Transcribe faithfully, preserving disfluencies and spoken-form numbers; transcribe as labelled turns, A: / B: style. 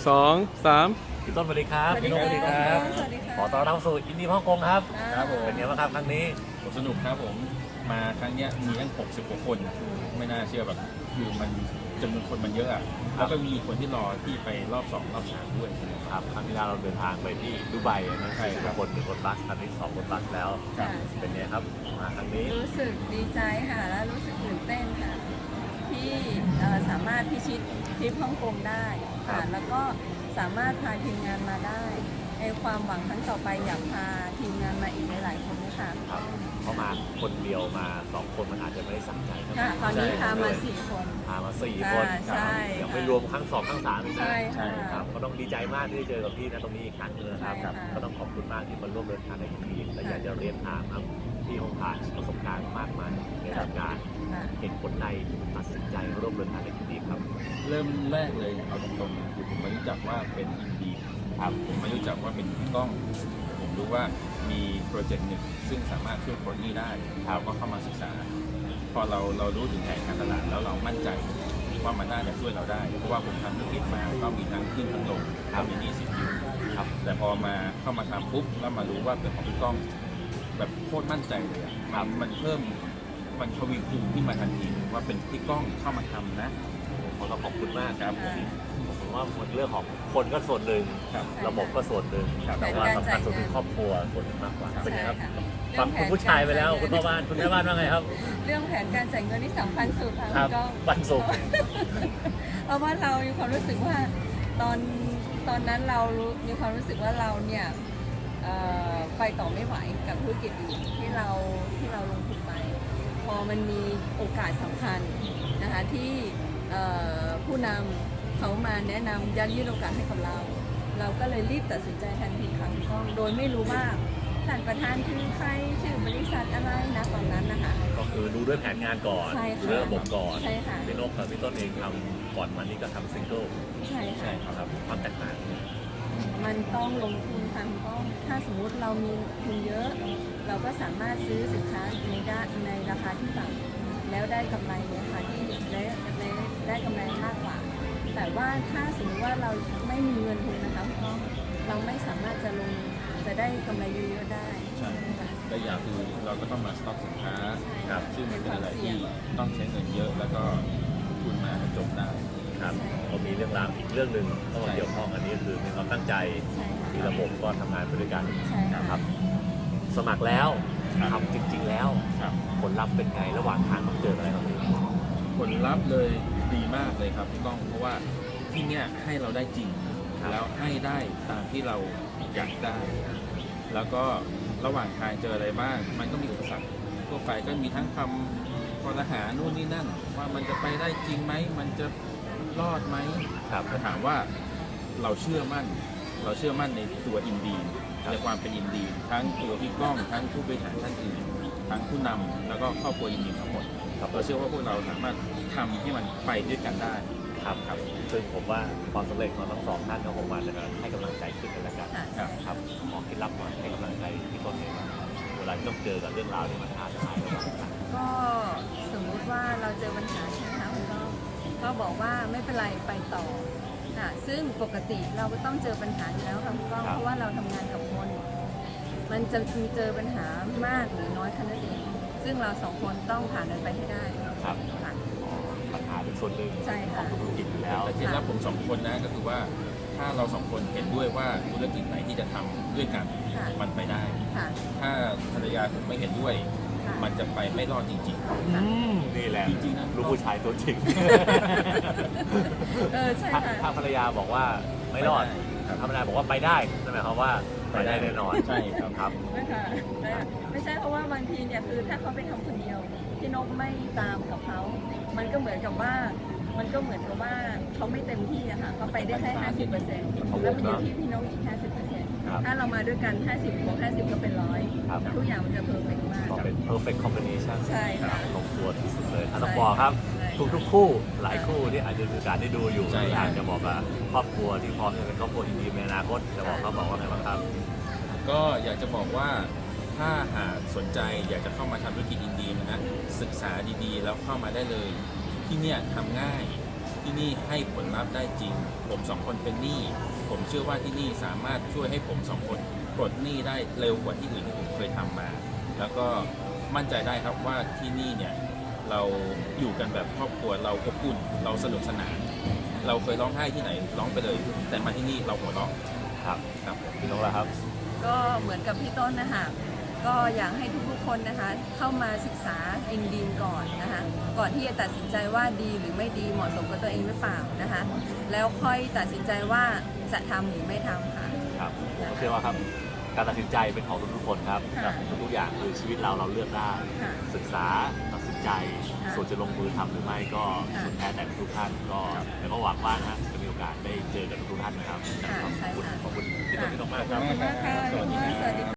A: สองสาม
B: พี่ต้นสวัสดีครับ
C: สวัสดี
B: พี่นกสวัสดีครับ
C: สวัสดีค่ะ
B: ขอต้อนรับสู่อินดี้ฮ่องกงครับ
C: ครับผม
B: เป็นไงบ้างครับครั้งนี้
D: สนุกครับผมมาครั้งเนี้ยมีตั้งหกสิบกว่าคนไม่น่าเชื่อแบบคือมันจำนวนคนมันเยอะอะแล้วก็มีคนที่รอที่ไปรอบสองรอบสามด้วย
B: ครับครั้งที่แล้วเราเดินทางไปที่ดูไบนะ
D: ใช่ครับ
B: คนหนึ่งรถบัสครั้งนี้สองรถบัสแล้ว
C: ค่ะ
B: เป็นไงครับมาครั้งนี้
C: รู้สึกดีใจค่ะและรู้สึกตื่นเต้นค่ะที่เอ่อสามารถพิชิตทริปฮ่องกงได้
B: ครั
C: ค่ะ
B: บ
C: แล้วก็สามารถพาทีมงานมาได้ในความหวังครั้งต่อไปอยากพาทีมงานมาอีกหลายๆคนนะคะ
B: ครับเขามาคนเดียวมาสองคนมันอาจจะไม่ได้สั่งใจเท่าไหร่
C: ค่ะตอนนี้พามาสี่คน
B: พามาสี่คน
C: ใช่
B: ครับยัง
C: ค่ะ
B: ไม่รวมครั้งสองครั้งสามอีกนะ
C: ใช่
D: ใช่
C: ค่ะ
B: ครับก็ต้องดีใจมากที่ได้เจอกับพี่นะตรงนี้อีกครั้งหนึงนะครับ
C: ใช่ค่ะ
B: ก็ต้องขอบคุณมากที่มาร่วมเดินทางในครั้งนี้แต่อยากจะเรียนถามครับพี่คงผ่านประสบการณ์มากมายในการงาน
C: ค่ะ
B: เห็นคนในตัดสินใจร่วมเดินทางในครั้งนี้ครับ
D: เริ่มแรกเลยเอาตรงๆคือผมไม่รู้จักว่าเป็นอินดีครับผมไม่รู้จักว่าเป็นกล้อง ผมรู้ว่ามีโปรเจกต์หนึ่งซึ่งสามารถช่วยปลดหนี้ได้เราก็เข้ามาศึกษา พอเราเรารู้ถึงแผนการตลาดแล้วเรามั่นใจว่ามันน่าจะช่วยเราได้ เพราะว่าผมทำธุรกิจมาก็มีทั้งขึ้นทั้งลงทำมีหนี้สินอยู่ครับแต่พอมาเข้ามาทำปุ๊บแล้วมารู้ว่าเป็นของพี่ก้อง แบบโคตรมั่นใจเลยอะครับมันเพิ่มมันทวีคูณขึ้นมาทันทีว่าเป็นพี่ก้องเข้ามาทำนะ
B: ผมก็ขอบคุณมากครับผม
C: ค่ะ
B: ผมว่าเรื่องของคนก็ส่วนหนึ่ง
D: ครับ
B: ระบบก็ส่วนหนึ่ง
D: ครับ
B: แต่ว่าสำคัญสุดคือครอบครัวส่วนหนึ่งมากกว่าเป็นไงครับ
C: ใช่ค่ะ
B: ฟังคุณผู้ชายไปแล้วคุณพ่อบ้านคุณแม่บ้านว่าไงครับ
C: เรื่องแผนการจ่ายเงินที่สำคัญสุดค่ะ
B: ครั
C: คุ
B: บ
C: ณก้อง
B: วันศุกร์
C: เพราะว่าเรามีความรู้สึกว่าตอนตอนนั้นเรารู้มีความรู้สึกว่าเราเนี่ยเอ่อไปต่อไม่ไหวกับธุรกิจอื่นที่เราที่เราลงทุนไป พอมันมีโอกาสสำคัญนะคะที่เอ่อผู้นำเขามาแนะนำยัดยื่นโอกาสให้กับเรา เราก็เลยรีบตัดสินใจทันทีค่ะคุณก้องโดยไม่รู้ว่าท่านประธานคือใครชื่อบริษัทอะไรนะตอนนั้นนะคะ
B: ก็คือดูด้วยแผนงานก่อน
C: ใช่ค่ะ
B: เรื่องระบบก่อน
C: ใช่ค่ะ
B: พี่นกกับพี่ต้นเองทำก่อนมันนี่ก็ทำซิงเกิล
C: ใช่
B: ใช่
C: ค่ะ
B: ครับความแตกต่าง
C: มันต้องลงทุนทางต้องถ้าสมมุติเรามีทุนเยอะ เราก็สามารถซื้อสินค้าในด้านในราคาที่ต่ำแล้วได้กำไรในราคาที่ได้ได้ได้กำไรมากกว่า แต่ว่าถ้าสมมติว่าเราไม่มีเงินทุนนะคะพี่ก้องเราไม่สามารถจะลงจะได้กำไรเยอะๆได้
D: ใช่
C: ค่ะ
D: และอย่างคือเราก็ต้องมาสต็อกสินค้า
B: ครับ
D: ซึ่งมันเป็นอะไรที่ต้องใช้เงินเยอะแล้วก็ทุนมาให้จบได้
B: ครับก็มีเรื่องราวอีกเรื่องหนึ่งเข้ามาเกี่ยวข้องอันนี้คือมีความตั้งใจ
C: ใช่ค่ะ
B: ที่ระบบก็ทำงานไปด้วยกัน
C: ใช่
B: นะ
C: ค่ะ
B: ครับ สมัครแล้ว
D: ครับ
B: ทำจริง ๆ แล้ว
D: ครับ
B: ผลลัพธ์เป็นไงระหว่างทางต้องเจออะไรครับพี่
D: ผลลัพธ์เลยดีมากเลยครับพี่ก้องเพราะว่าที่เนี้ยให้เราได้จริง แล้วให้ได้ตามที่เราอยากได้ แล้วก็ระหว่างทางเจออะไรบ้าง มันก็มีอุปสรรคทั่วไปก็มีทั้งคำคอรหานู่นนี่นั่น ว่ามันจะไปได้จริงไหมมันจะรอดไหม
B: ครับ
D: ถ้าถามว่าเราเชื่อมั่น เราเชื่อมั่นในตัวอินดีน
B: ครับ
D: ในความเป็นอินดีนทั้งตัวพี่ก้องทั้งผู้บริหารท่านอื่นทั้งผู้นำแล้วก็ครอบครัวอินดีนทั้งหมด
B: ครับ
D: เราเชื่อว่าพวกเราสามารถทำให้มันไปด้วยกันได้
B: ครับครับซึ่งผมว่าความสำเร็จของทั้งสองท่านก็คงมาจากการให้กำลังใจขึ้นกันและกัน
C: ค่ะ
D: ครับ
B: ครับขอเคล็ดลับหน่อยให้กำลังใจพี่ต้นเองว่าเวลาที่ต้องเจอกับเรื่องราวที่มันท้าทายระหว่างทาง
C: ก็สมมุติว่าเราเจอปัญหาใช่ไหมคะคุณก้องก็บอกว่าไม่เป็นไรไปต่อค่ะซึ่งปกติเราก็ต้องเจอปัญหาอยู่แล้วค่ะคุณก้อง
B: ครับ
C: เพราะว่าเราทำงานกับคน มันจะมีเจอปัญหามากหรือน้อยแค่นั้นเองซึ่งเราสองคนต้องผ่านมันไปให้ได้
B: ครับ
C: ค่ะ
B: ปัญหาเป็นส่วนหนึ่ง
C: ใช่
B: ขอ
C: ค่ะ
B: งธุรกิจอยู่แล้ว
D: แต่เคล็ดลับผมสองคนนะก็คือว่าถ้าเราสองคนเห็นด้วยว่าธุรกิจไหนที่จะทำด้วยกัน
C: ค่ะ
D: มันไปได้
C: ค่ะ
D: ถ้าภรรยาผมไม่เห็นด้วย
C: ค่ะ
D: มันจะไปไม่รอดจริง
B: อืมนี่แหละ
D: จริงๆนะ
B: ลูกผู้ชายตัวจริง
C: เออใช่
B: ถ้า
C: ค่ะ
B: ถ้าภรรยาบอกว่า
D: ๆ
B: ไม่รอด
D: ครับ
B: ถ้าภรรยาบอกว่าไปได้นั่นหมายความว่าไปได้แน่นอน
D: ใช่ครับ
B: ครับ
C: ไม่ค่ะไม่ไม่ใช่เพราะว่าบางทีเนี่ยคือถ้าเขาไปทำคนเดียวพี่นกไม่ตามกับเขา มันก็เหมือนกับว่า มันก็เหมือนกับว่าเขาไม่เต็มที่อะค่ะเขาไปได้แค่ห้าสิบเปอร์เซ็นต์แล้วมันอยู่ที่พี่นกอีกห้าสิบเปอร์เซ็นต์
B: ครับ
C: ถ้าเรามาด้วยกันห้าสิบบวกห้าสิบก็เป็นร้อย
B: ครับ
C: ทุกอย่างมันจะเพอร์เฟกต์มาก
B: ก็เป็น perfect combination
C: ใช่ค่ะ
B: ลงตัวที่สุดเลยอ่ะ
C: ใช่
B: ต้องบอกครับ
C: ใช่
B: ทุกทุกๆคู่หลายคู่ที่อาจจะมีโอกาสได้ดูอยู่
D: ใช่
B: อยากจะบอกกับครอบครัวที่พร้อมจะเป็นครอบครัวดีๆในอนาคตจะบอกเขาบอกว่าไงบ้างครับ
D: ก็อยากจะบอกว่าถ้าหากสนใจอยากจะเข้ามาทำธุรกิจอินดีนะฮะศึกษาดีๆ แล้วเข้ามาได้เลย ที่เนี่ยทำง่ายที่นี่ให้ผลลัพธ์ได้จริง ผมสองคนเป็นหนี้ผมเชื่อว่าที่นี่สามารถช่วยให้ผมสองคนปลดหนี้ได้เร็วกว่าที่อื่นที่ผมเคยทำมา แล้วก็มั่นใจได้ครับว่าที่นี่เนี่ยเราอยู่กันแบบครอบครัวเราอบอุ่นเราสนุกสนาน เราเคยร้องไห้ที่ไหนร้องไปเลย แต่มาที่นี่เราหัวเราะ
B: ครับ
D: ครับผม
B: พี่นกล่ะครับ
C: ก็เหมือนกับพี่ต้นนะคะก็อยากให้ทุกๆคนนะคะเข้ามาศึกษาอินดีมก่อนนะคะก่อนที่จะตัดสินใจว่าดีหรือไม่ดีเหมาะสมกับตัวเองหรือเปล่านะคะแล้วค่อยตัดสินใจว่าจะทำหรือไม่ทำค่ะ
B: ครับผมเชื่อว่าครับการตัดสินใจเป็นของทุกๆคนครับ
C: ค่ะ
B: ทุกๆอย่างคือชีวิตเราเราเลือกได้
C: ค่ะ
B: ศึกษาตัดสินใจ
C: ค่ะ
B: ส่วนจะลงมือทำหรือไม่ก็
C: ค่ะ
B: สุดแท้แต่ทุกท่านก็แล้วก็หวังว่านะฮะจะมีโอกาสได้เจอกับทุกท่านนะครับ
C: ค่ะ
B: ขอบ
C: ใช่
B: คุณ
C: ค่ะ
B: ขอบคุณพี่ต้นพี่นกมากครับ
C: ขอบคุณมากค่ะ
D: สวัสดีครับ
C: สวัสดีค่ะ